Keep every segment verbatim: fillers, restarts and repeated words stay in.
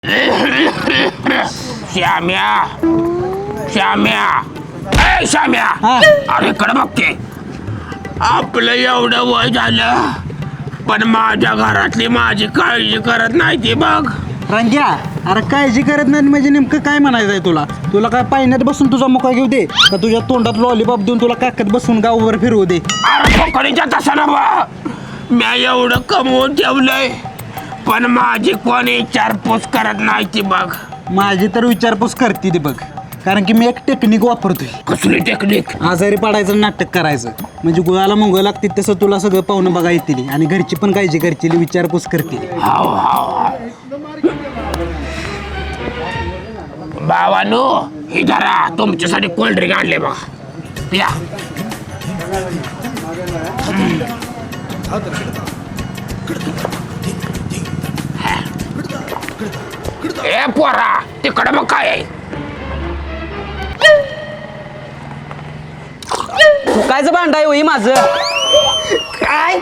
श्याम्या श्याम्या ए श्याम्या अरे इकडे बघते आपलं एवढं वय झालं पण माझ्या घरातली माझी काळजी करत नाही ती बघ. रंग्या अरे काळजी करत नाही म्हणजे नेमकं काय म्हणायचं आहे तुला तुला काय पाण्यात बसून तुझा मुका घेऊ दे का तुझ्या तोंडात लॉलीपॉप देऊन तुला काकत बसून गावभर फिरवू दे. अरे कोकणीच्या तसं ना बा मी एवढं कमवून ठेवलंय पण माझी कोणी विचारपूस करत नाही ती बघ. माझी तर विचारपूस करते ती बघ कारण की मी एक टेक्निक वापरतोय. कसली टेक्निक? आजारी पडायचं नाटक करायचं म्हणजे गुळाला मुंग लागते तसं तुला सगळं पाहुणं बघा येतील आणि घरची पण काळजी करतील विचारपूस करतील. हाव हाव भावानो ही धरा तुमच्यासाठी कोल्ड ड्रिंक आणले बघा या. ए पोरा तिकडं मग काय आहे? कायचं भांड आहे होई माझं काय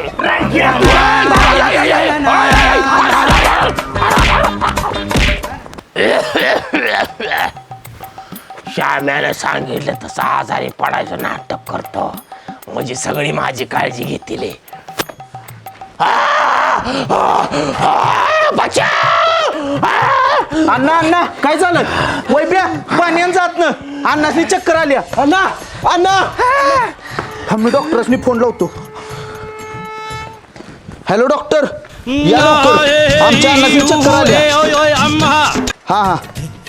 श्याम्याला सांगितलं तसं आजारी पडायचं नाटक करतो म्हणजे सगळी माझी काळजी घेतील. अण्णा अण्णा काय झालं वैप्या पाण्यान जात ना अण्णासनी चक्कर आल्या. अण्णा अण्णा मी डॉक्टरसनी फोन लावतो. हॅलो डॉक्टर या लवकर आमच्या अण्णासनी चक्कर आल्या. हा हा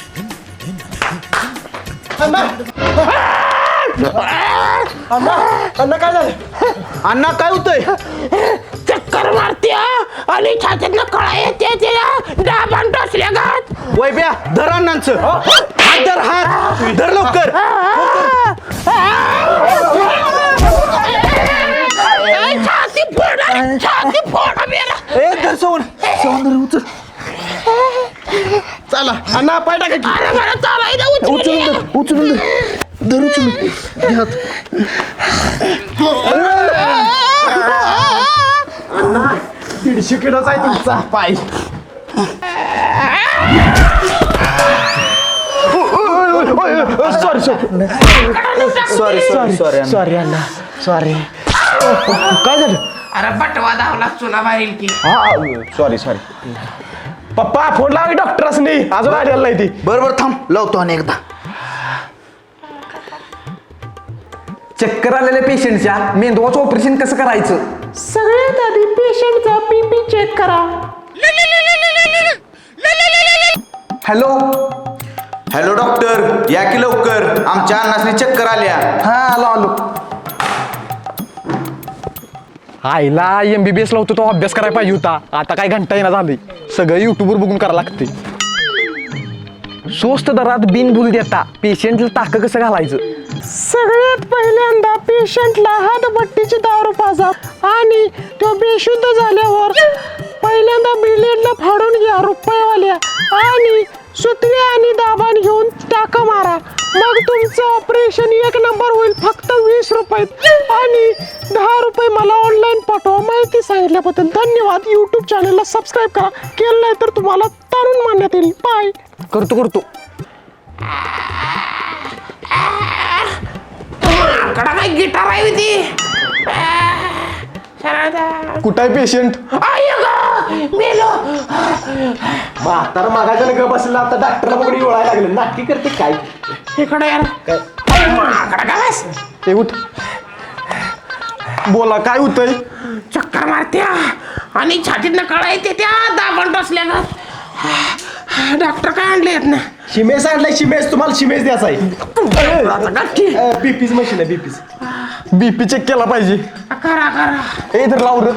अण्णा अण्णा काय झालं अण्णा काय होतंय? चक्कर मारते आणि छातीतनं कळा येते तिला डाबान टोचल्या गात. वैप्या धर अण्णांचं हात धर हात धर लवकर. छाती फोडा छाती फोडा मेरा. ए धर सवन सवन धर उचल. चला अण्णा पाय टाका की. अरे मला चालायला उचलून धर उचलून धर धर उचलून हात. अण्णा दीडशे किलोचा आहे तुमचा पाय. Sorry sorry sorry sorry sorry अण्णा सॉरी. काय झालं? अरे बटवा धावला चुना बाहेर की. सॉरी सॉरी पप्पा फोन लावा डॉक्टरसनी अजून आलेला नाही ती. बरोबर थांब लावतो आणि एकदा. चक्कर आलेल्या पेशंटच्या मेंदवाचं ऑपरेशन कसं करायचं? सगळ्यात आधी पेशंटचा बीपी चेक करा. हॅलो हॅलो डॉक्टर या की लवकर आमच्या अण्णासनी चक्कर आल्या. हा आलो आलो. आईला एम बी बी एस लावतो तो अभ्यास करायला पाहिजे होता. आता काय घंटा येणार झाली सगळं युट्यूबवर बघून करायला लागते. स्वस्त दरात बिनबुल देता पेशंटला टाक कसं घालायचं? सगळ्यात पहिल्यांदा पेशंटला हातभट्टीची दारू पाजा आणि तो बेशुद्ध झाल्यावर पहिल्यांदा ब्लेडला फाडून घ्या रुपयावाल्या आणि सुतळी आणि दाबान घेऊन टाका मारा. मग तुमचं ऑपरेशन एक नंबर होईल फक्त वीस रुपयात आणि दहा रुपये मला ऑनलाईन पाठवा. माहिती सांगितल्याबद्दल धन्यवाद. यूट्यूब चॅनलला सबस्क्राईब करा केलं नाही तर तुम्हाला तारून मानण्यात येईल. बाय. करतो करतो. कडा काय गिटार आहे होती. कुठं आहे पेशंट? मेलो. म्हातारा मागायचं ग बसला आता डॉक्टरला बघून ओळायला लागलं नाटकी करते काय. इकडे यार माकडा काय ते उठ बोला काय होतंय? चक्कर मारत्या आणि छातीतनं कळा येते त्या दाबण टोचल्या का. डॉक्टर काय आणले आहेत ना? शिमेस आणलाय शिमेस तुम्हाला शिमेस द्यायचा आहे. बीपीच मशीन आहे बीपीच. बीपी चेक केला पाहिजे. करा करा. ए इधर लाव रे.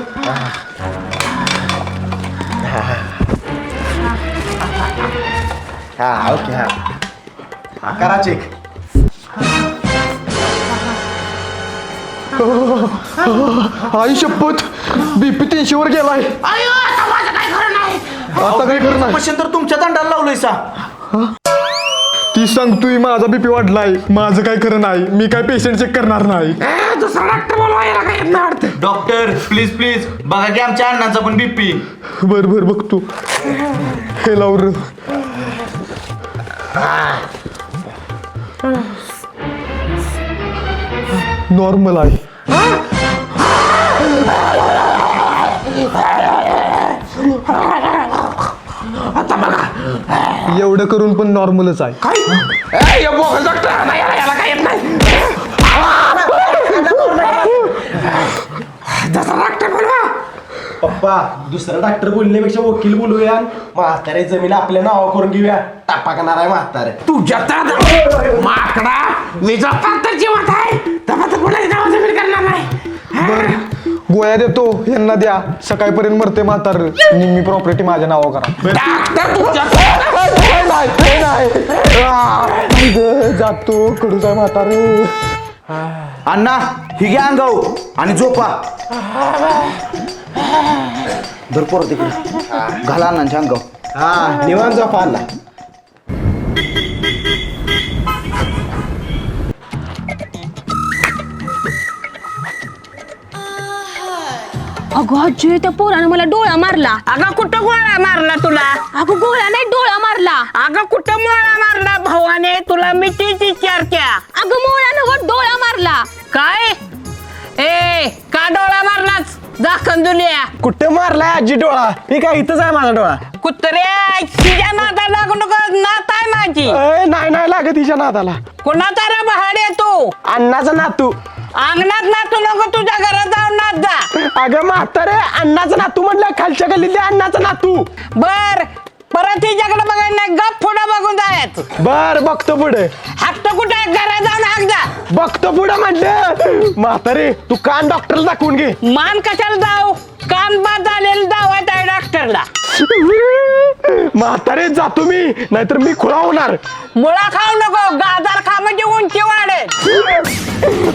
हा ओके हा करा चेक. आई शपथ बीपी तीनशे वर गेलाय. अयो आता माझं काय खरं नाही. आता काय करणार? मशीन तर तुमच्या दंडाला लावलंय सा. ती सांगतोय माझा बीपी वाढलाय, माझं काय खरं नाही, मी काय पेशंट चेक करणार नाही. दुसरा डॉक्टर बोलवा, याला काय येत नाही वाटतं. डॉक्टर प्लीज प्लीज बघा की आमच्या अण्णाचा पण बीपी. बर बर बघतो. हे लावर नॉर्मल आहे. आता बघा एवढं करून पण नॉर्मलच आहे. काय ए, बोगस डॉक्टर नाही, याला याला काय येत नाही. दुसरा डॉक्टर बोलवा. पप्पा दुसरा डॉक्टर बोलण्यापेक्षा वकील बोलूया. म्हातारे जमीन आपल्या नावा करून घेऊया. टापा करणार आहे म्हातारे. तुझ्या तर माकडा मी जपा तर जिवंत आहे, तेव्हा तर कोणाची नाव जमीन करणार नाही. बर गोळ्या देतो, यांना द्या. सकाळपर्यंत मरते म्हातार. निम्मी प्रॉपर्टी माझ्या नावावर करा. डॉक्टर तुझ्या नाही, ते नाही. आ, ग, जातो कडूच आहे म्हातार. अण्णा ही घ्या अंगाऊ आणि झोपा. धर पोरं तिकडे घाला अण्णांच्या अंगाऊ. हा निवांत झोपा आला. अगं आजी, त्या पोरानं मला डोळा मारला. अगं कुठं गोळा मारला तुला? अगं गोळा नाही, डोळा मारला. अगं कुठं मोळा मारला भावाने तुला? मी तीच विचारत्या. अगं मोळा नव्हं, डोळा मारला. काय ए का डोळा मारलाच? दाखन दुलिया कुठे मारलाय आजी डोळा? हे काय इथंच आहे माझा डोळा. कुत्र्या तिच्या नादा लागू नको. नात आहे माझी. ए, नाही नाही लागत तिच्या नादाला. कुणाचा रे बहाडे तू? अण्णाचा नातू. अंगणात नातू नको, तुझ्या घरात जाऊन नात जा. अगं म्हातारे अण्णाचा नातू म्हटलं, खालच्या गल्लीतल्या अण्णाचा नातू. बर परत तिच्याकडे बघायला नाही, गप पुढं बघून जायचं. बर बघतो पुढे. हात कुठे आहे? घरात जाऊन हाक जा. बघतो पुढे म्हटलं. म्हातारे तू कान डॉक्टरला दाखवून घे. मान कशाला जाऊ? कान बाद झालेलं दावायचं आहे डॉक्टरला. म्हातारे जातो मी, नाहीतर मी खुळा होणार. मुळा खाऊ नको, गाजर खा म्हणजे उंची वाढेल.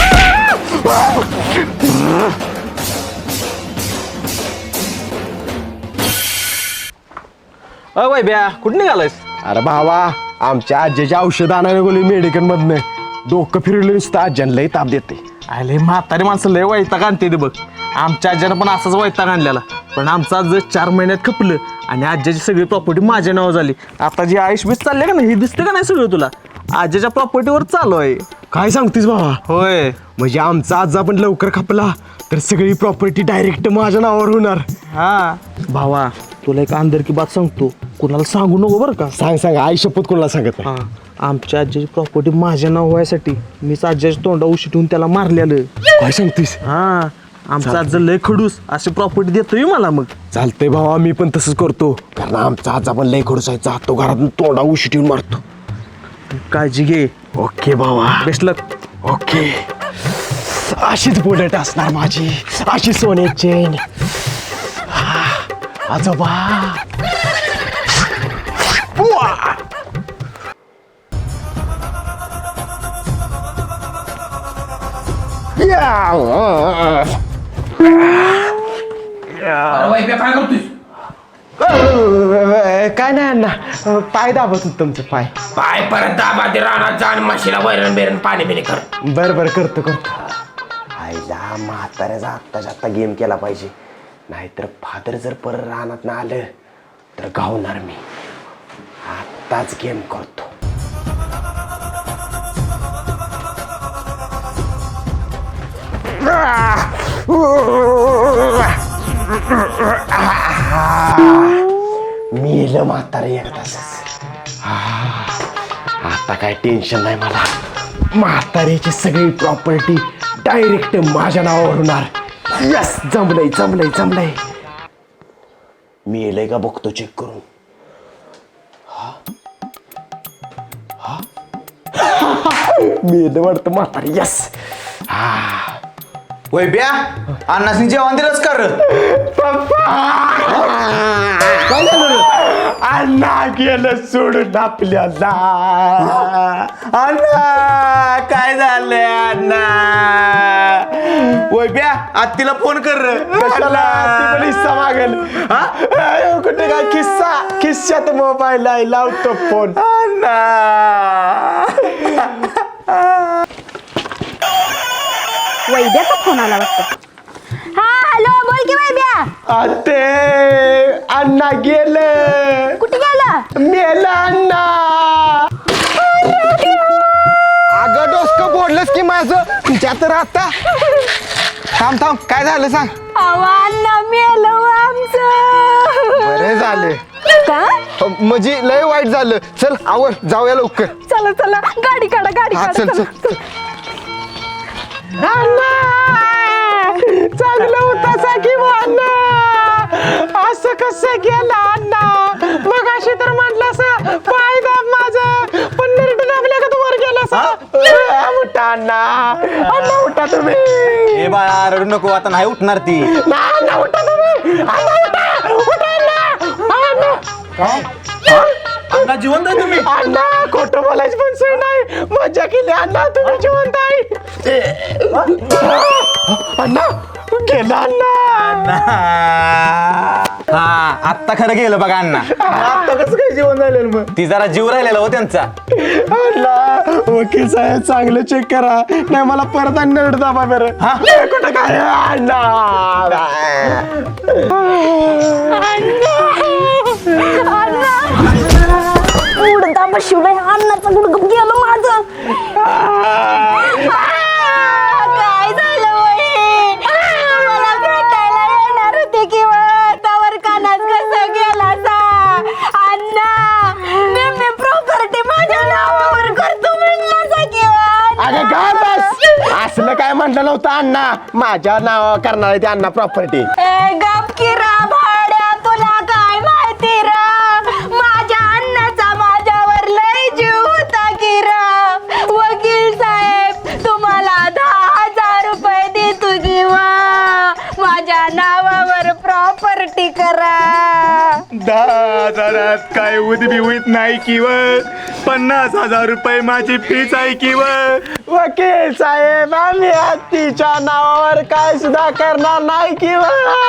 अ वैभ्या कुठं निघालायस? अरे भावा आमच्या आजीच्या औषध आणायला गेली मेडिकल मधनं. डोकं फिरलं नुसतं आज्यानं लय ताप देते. अरे म्हातारी माणसं लय वैताग आणते ते बघ. आमच्या आज्यानं पण असाच वैताग आणलेला, पण आमचं आज चार महिन्यात खपलं आणि आज्याची सगळी प्रॉपर्टी माझ्या नावावर झाली. आता जी आयुष बीस चालले का नाही, हे दिसते का नाही सगळं तुला? आज्याच्या प्रॉपर्टीवर चालू आहे. काय सांगतेस भावा? होय, म्हणजे आमचा आजा पण लवकर खपला तर सगळी प्रॉपर्टी डायरेक्ट माझ्या नावावर होणार. हा भावा तुला एक अंदर की बात सांगतो, कुणाला सांगू नको बरं का. सांग सांग, आई शपथ कोणाला सांगत नाही. हा आमच्या आज्याची प्रॉपर्टी माझ्या नाव व्हायसाठी मीच आज्याच्या तोंडा उशी ठेवून त्याला मारलेलं. काय सांगतेस? हा आमचा आजा लय खडूस अशी प्रॉपर्टी देतोय मला. मग चालतंय भावा, मी पण तसंच करतो, कारण आमचा आजा पण लय खडूस आहे. जातो घरातून तोंडा उशी ठेवून मारतो. काळजी घे. ओके भावा. Best luck. ओके. अशीच बुलेट असणार माझी, अशी सोने चेन. आजोबा उआ! या! काय करतोय? काय नाही अण्णा, पाय दाबत होत तुमचं पाय. पाय परत दाबाते रानात जाण म्हशीला वैरण बेरण पाणी बिणी कर. बरं बरं करतो करतो. आईला म्हाताऱ्याचा आत्ताच्या आत्ता गेम केला पाहिजे, नाहीतर फादर जर परत रानात ना आलं तर गावणार मी. आत्ताच गेम करतो. मेलं म्हातारे एकदाच. आता काय टेन्शन नाही मला. म्हाताऱ्याची सगळी प्रॉपर्टी डायरेक्ट माझ्या नावावर होणार. यस, जमलंय जमलंय जमलंय. मेलंय का बघतो चेक करून. मेलं वाटतं म्हातारी. यस. हा वैब्या अण्णासनी जेवण दिलंच कर काय झालं अण्णा गेलं सोडून आपल्याला अण्णा काय झालंय अण्णा वैब्या आत्तीला फोन कर रे. कशाला ती पण हिस्सा मागेल हा? अयो, कुठे काय किस्सा किस्सात मोबाईल आहे लावतो फोन अण्णा वैद्याचा फोन आला वाटतं. हा हॅलो बोल की वैद्या. आते अण्णा गेलं कुठे गेला? मेला अण्णा अगं डोसकं फोडलंस की माझं तुझ्या तर आता थांब थांब काय झालं सांग. अण्णा मेलो आमचं. बरे झाले का? म्हणजे लय वाईट झालं. चल आवर जाऊया लवकर. चला चला गाडी काढा गाडी हा काढा चल चला. चल अण्णा चांगलं होता साकी अण्णा असं कसं गेला अण्णा मग अशी तर म्हटलं असं पाय दाब माझं पण नरट दाबल्या का तू वर गेला सा उठा अण्णा अण्णा उठा तुम्ही ए बाळा रडू नको आता नाही उठणार ती ना अण्णा उठा तुम्ही अण्णा उठा उठा अण्णा अण्णा अण्णा जिवंत आहे तुम्ही अण्णा खोटं बोलायची पण सोय नाही मजा केली अण्णा तुम्ही जिवंत आहे अण्णा गेला अण्णा हा आत्ता खरं गेलं बघा अण्णा आता कसं काय जेवण झालेलं मग ती जरा जीव राहिलेला हो त्यांचा अण्णा वकील साहेब चांगलं चेक करा नाही मला परत आणि नरड दाबा बरं हा? हे कुठं काय अण्णा उडता बसवलंय अन्नाचं गुडगुप गेलं माझं. काय झालं वही मला भेटायला येणार होते किंवा त्यावर कानात कसं गेला सा अण्णा मी मी प्रॉपर्टी माझ्या नावावर करतो म्हणला किंवा अगं काय बस असलं काय म्हटलं नव्हतं अण्णा माझ्या नाव करणार आहे ते अण्णा प्रॉपर्टी ए गप किरा भाड्या तुला काय माहिती रा माझ्या अन्नाचा माझ्यावर लय जीव होता किरा वकील साहेब तुम्हाला दहा हजार रुपये देतो किंवा माझ्या नावावर प्रॉपर्टी करा. दहा हजारात काय उदबी होत नाही किंवा पन्नास हजार रुपये माझी फीच आहे किंवा वकील साहेब आम्ही हत्तीच्या नावावर काय सुद्धा करणार नाही किंवा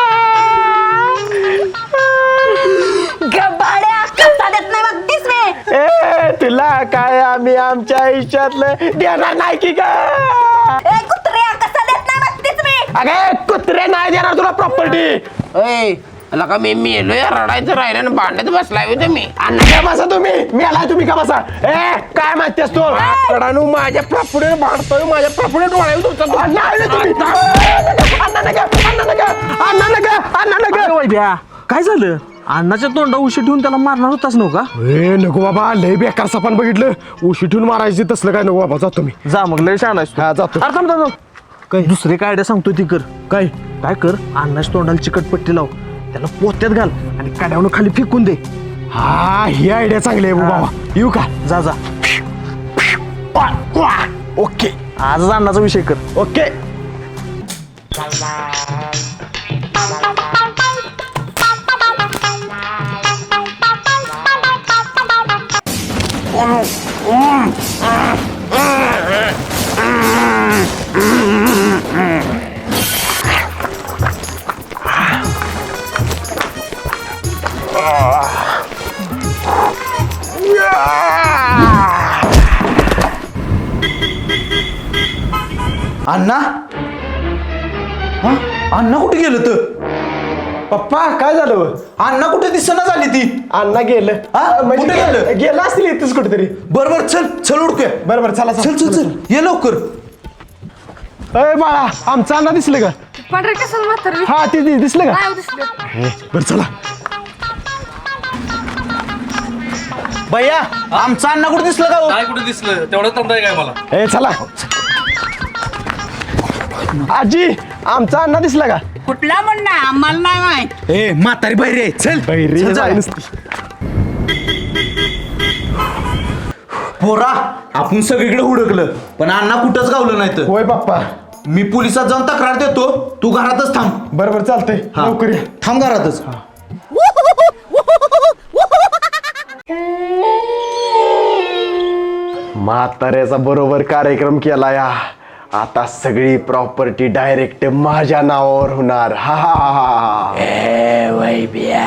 गबाड्या कसा देत नाही बघतीस मी. ए तुला काय आम्ही आमच्या आयुष्यातलं देणार नाही की का ए कुत्र्या कसा देत नाही बघतीस मी. अगे कुत्रे नाही देणार तुला प्रॉपर्टी अय अला का मी मेलोय रडायचं राहिलं आणि भांडत बसलाय होते मी. अण्णा काय बसा तुम्ही मी आलाय तुम्ही का बसा ए काय माहिती असतो रडानू माझ्या प्रॉपर्टीवर भांडतोय माझ्या प्रॉपर्टी डोळ्यावर तुमचा अण्णा आले तुम्ही अण्णा नका अण्णा नका अण्णा नका अण्णा नका वैद्या काय झालं अण्णाच्या तोंडा उशी ठेवून त्याला मारणार होताच नव्ह का ए नको बाबा लय बेकार सापान बघितलं उशी ठेवून मारायची तसलं काय नको बाबा जातो मी जा मग लय छान आहेस तू. हा जातो अरे थांब थांब थांब. काय दुसरे काय आयडिया सांगतोय ती कर काय काय कर अण्णाच्या तोंडाला चिकटपट्टी लाव त्याला पोत्यात घाल आणि काड्यावरून खाली फेकून दे हा ही आयडिया चांगली आहे बाबा येऊ का जा जा ओके आजच अण्णाचा विषय कर ओके अण्णा हा अण्णा कुठे गेलं तर पप्पा काय झालं अण्णा कुठे दिसना झाली ती अण्णा गेलं हा? म्हणजे कुठे गेलं? गेलं असतील इथंच कुठेतरी बर बर चल चल उडकूया बरं बरं चला चल चल चल ये लवकर अय बाळा आमचं अण्णा दिसलं का पांढरे कसं म्हातारं हा ते ते दिसलं का नाही दिसलं. बरं चला भैया आमचा अण्णा कुठे दिसलं का हो? काय कुठे दिसलं तेवढं तंडाय काय मला ए चला आजी आमचा अण्णा दिसला का कुठला म्हणणं आम्हाला नाही माहित. ए म्हातारी बाहेर आहे चल बहिरी चल, चल. पोरा आपण सगळीकडे हुडकलं पण अण्णा कुठंच गावलं नाही तर होय पप्पा मी पोलिसात जाऊन तक्रार देतो, तू घरातच थांब. बरं बरं चालतंय लवकर ये. थांब घरातच. म्हाताऱ्याचा बरोबर कार्यक्रम केला या. आता सगळी प्रॉपर्टी डायरेक्ट माझ्या नावावर होणार. हा हा हा. ए वैब्या.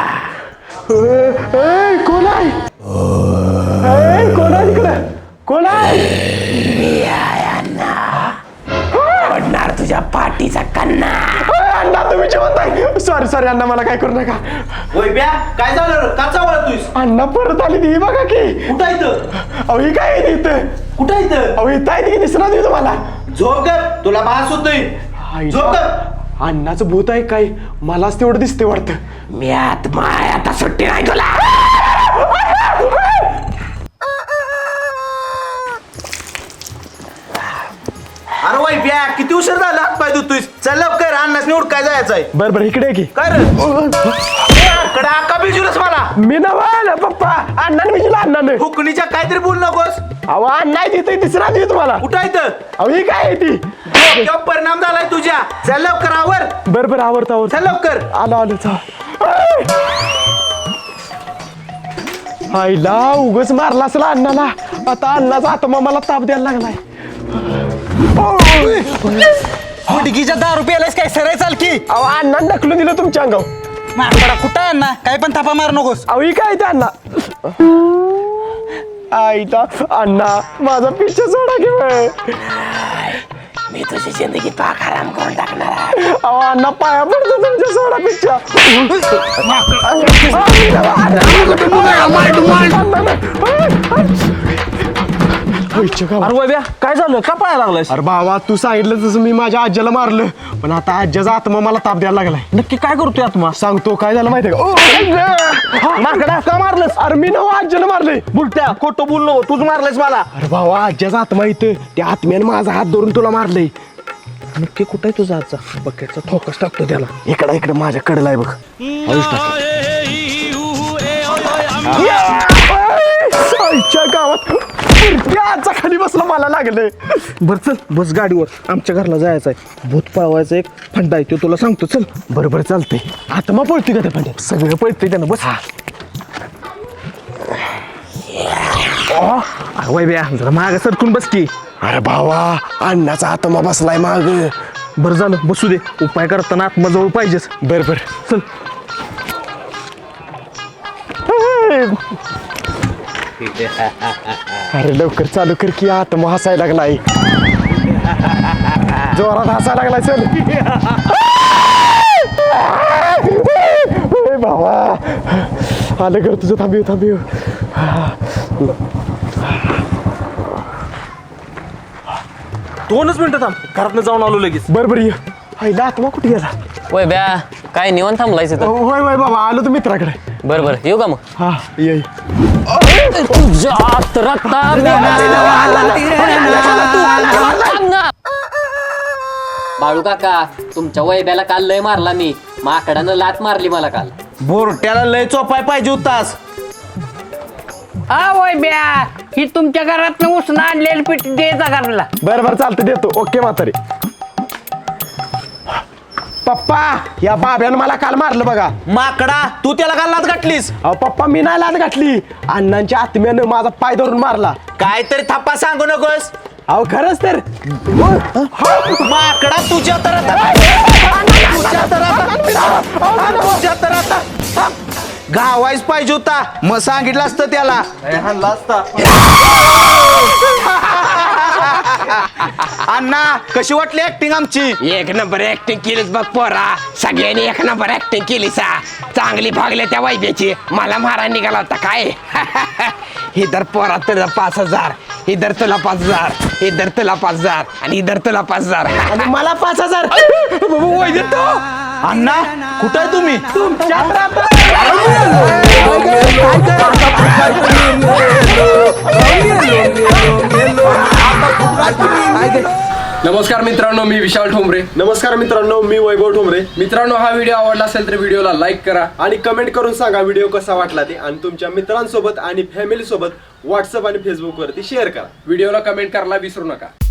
कोण आहे? ए, कोण आहे तिकडे? कोण आहे? मी आहे अण्णा. पडणार तुझ्या पाठीचा कन्ना. अण्णा तुम्ही जेवत आहे. सॉरी सॉरी अण्णा, मला काय करू नका. वैब्या काय झालं? का चावला तूस? अण्णा परत आली ती बघा की. कुठं इथं? अहो ही काय आहे इथं? कुठं इथं? अहो इथं आहे ती, दिसणार नाही तुम्हाला? झोप कर, तुला भास होतोय. झोप कर. अण्णाचं भूत आहे काय? मलाच तेवढं दिसते वाटतं. मी आत्मा आहे, आता सुट्टी नाही तुला. अरे वैब्या किती उशीर झाला? हात पाय धुतोयस. चल लवकर, अन्नास निवड काय जायचंय. बरं बरं इकडे की. काय रे? कडा का बिजूलस मला? मी नवा पप्पा. अण्णाने मी तुला अण्णाने. फुकणीच्या काहीतरी बोल नकोस. अहो अण्णा आहे तिथे, दिसणार नाही तुम्हाला? कुठं इथं? अहो ही काय आहे ती? डोक्यावर परिणाम झालाय तुझ्या. चल लवकर आवर. बरं बरं आवडतं आवडतं. चल लवकर. आलो आलो चा. आईला उगच मारला असेल अण्णाला. आता अण्णाचा आत्मा मला ताप द्यायला लागलाय. हुडकीच्या दारू प्यायलास काय? सरळ चाल की. अहो अण्णा ढकलून दिलं तुमच्या अंगावर. माकडा कुठं आहे ना? काय पण थापा मार नकोस. अहो ही काय ते अण्णा? आईला अण्णा माझा पिच्छा सोडा की. मी तुझी जिंदगी पाक आराम करून टाकणार. अहो अण्णा पाया पडतो तुमच्या सोडा पिच्छा. अरे वैब्या काय झालं? का पळायला लागलास? अरे बाबा तू सांगितलं तसं मी माझ्या आज्याला मारलं, पण आता आज्याचा आत्मा मला ताप द्यायला लागलाय. नक्की काय करतोय आत्मा? सांगतो काय झालं माहितीये का? माकडा का मारलंस? अरे मी नवा आज्याला मारले. बुलट्या खोटं बोल नको, तूच मारलायस मला. अरे भावा आज्याचा आत्मा इथं, त्या आत्म्याने माझा हात धरून तुला मारलंय. नक्की कुठं आहे तुझा आजचा? बकेटचा ठोकस टाकतो त्याला. इकडं इकडं माझ्या कडला आहे बघ. आईच्या गावात आजचा खाली बसला मला लागले. बरं चल बस गाडीवर, आमच्या घरला जायचं आहे. भूत पळवायचं एक फंडा आहे तो तुला सांगतो. चल. बरोबर चालतंय. आत्मा पळते का त्या पाण्यात? सगळं पळतंय त्यानं. बस. वैब्या जरा मागं सरकून बस की. अरे भावा अण्णाचा आत्मा बसलाय माग. बरं झालं बसू दे. उपाय करताना आत्माजवळ पाहिजेच. बर बर चल. अरे लवकर चालू कर की, आत्मा हसायला लागलाय. जोरात हसायला लागलाय. चल ए भावा आलं कर तुझं. थांबीव थांबीव. दोनच मिनिटं थांब, घरातनं जाऊन आलो लगेच. बर बर ये. आईला आत्मा कुठे गेला? होय ब्या काय निवांत थांबलायच इथं? होय होय बाबा आलो तू मित्राकडे. बरं बरं येऊ का मग? हा ये. तुझ्या रक्तात बाळू काका तुमच्या वैब्याला काल लय मारला मी. माकडानं लात मारली मला काल. बोरट्याला लय चोपाय पाहिजे होतास. आ वैब्या ही तुमच्या घरात उसणं आणलेली पीठ द्यायचा घरला. बर बर चालतं देतो. ओके म्हातारे. पप्पा या बाब्यानं मला काल मारलं बघा. माकडा तू त्याला का लाच गाठलीस? अहो पप्पा मी नाही लाद घातली. अण्णांच्या आत्म्यानं माझा पाय धरून मारला. काहीतरी थप्पा सांगू नकोस. अहो खरंच तर. माकडा तुझ्या तर आता तुझ्या तर आता तुझ्या तर आता गावायच पाहिजे होता. मग सांगितलं असतं त्याला. हाणला असता. अण्णा कशी वाटली ऍक्टिंग आमची? एक नंबर ऍक्टिंग केलीच बघ पोरा. सगळ्यांनी एक नंबर ऍक्टिंग केली सा. चांगली भागल्या त्या वैद्याची. मला मारा निघाला होता काय. इधर पोरा तुला पाच हजार, इधर तुला पाच हजार, इधर तुला पाच हजार आणि इधर तुला पाच हजार आणि मला पाच हजार. अण्णा कुठं आहे तुम्ही? नमस्कार मित्रांनो, मी विशाल ठोंबरे. नमस्कार मित्रांनो मी वैभव ठोंबरे. मित्रांनो हा व्हिडिओ आवडला असेल तर व्हिडिओला लाईक करा आणि कमेंट करून सांगा व्हिडिओ कसा वाटला ते. आणि तुमच्या मित्रांसोबत आणि फॅमिली सोबत व्हॉट्सअप आणि फेसबुक वरती शेअर करा. व्हिडिओला कमेंट करायला विसरू नका.